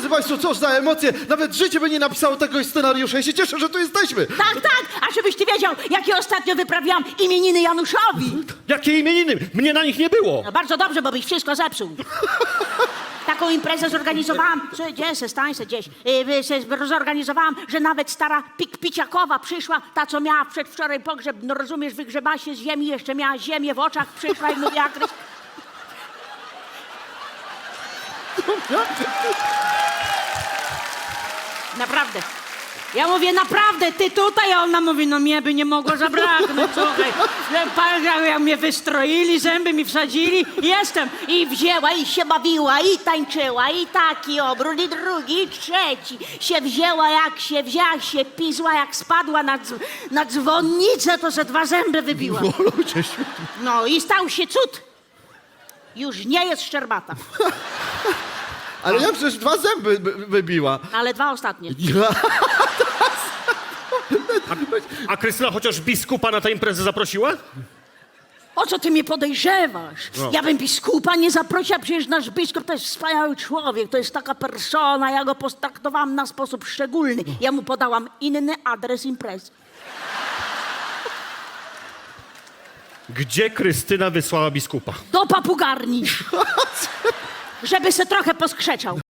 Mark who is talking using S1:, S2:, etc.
S1: Drodzy Państwo, cóż za emocje. Nawet życie by nie napisało tego scenariusza. Ja się cieszę, że tu jesteśmy.
S2: Tak, tak, a żebyś ty wiedział, jakie ostatnio wyprawiałam imieniny Januszowi.
S3: Jakie imieniny? Mnie na nich nie było.
S2: No bardzo dobrze, bo byś wszystko zepsuł. Taką imprezę zorganizowałam, stań se gdzieś, zorganizowałam, że nawet stara Piciakowa przyszła, ta co miała przedwczoraj pogrzeb, no rozumiesz, wygrzebała się z ziemi, jeszcze miała ziemię w oczach, przyszła i mówiła, naprawdę. Ja mówię, naprawdę, ty tutaj? A ona mówi, no mnie by nie mogło zabraknąć, słuchaj. Jak mnie wystroili, zęby mi wsadzili, jestem. I wzięła, i się bawiła, i tańczyła, i taki obrót, i drugi, i trzeci. Się wzięła, jak się pizła, jak spadła na dzwonnicę, to ze 2 zęby wybiła.
S1: O, ludzie świetni.
S2: No i stał się cud. Już nie jest szczerbata,
S1: Ale ja przecież 2 zęby wybiła.
S2: ale 2 ostatnie.
S3: A Krystyna chociaż biskupa na tę imprezę zaprosiła?
S2: O co ty mnie podejrzewasz? Ja bym biskupa nie zaprosiła, przecież nasz biskup to jest wspaniały człowiek, to jest taka persona, ja go potraktowałam na sposób szczególny. Ja mu podałam inny adres imprezy.
S3: Gdzie Krystyna wysłała biskupa?
S2: Do papugarni, żeby se trochę poskrzeczał.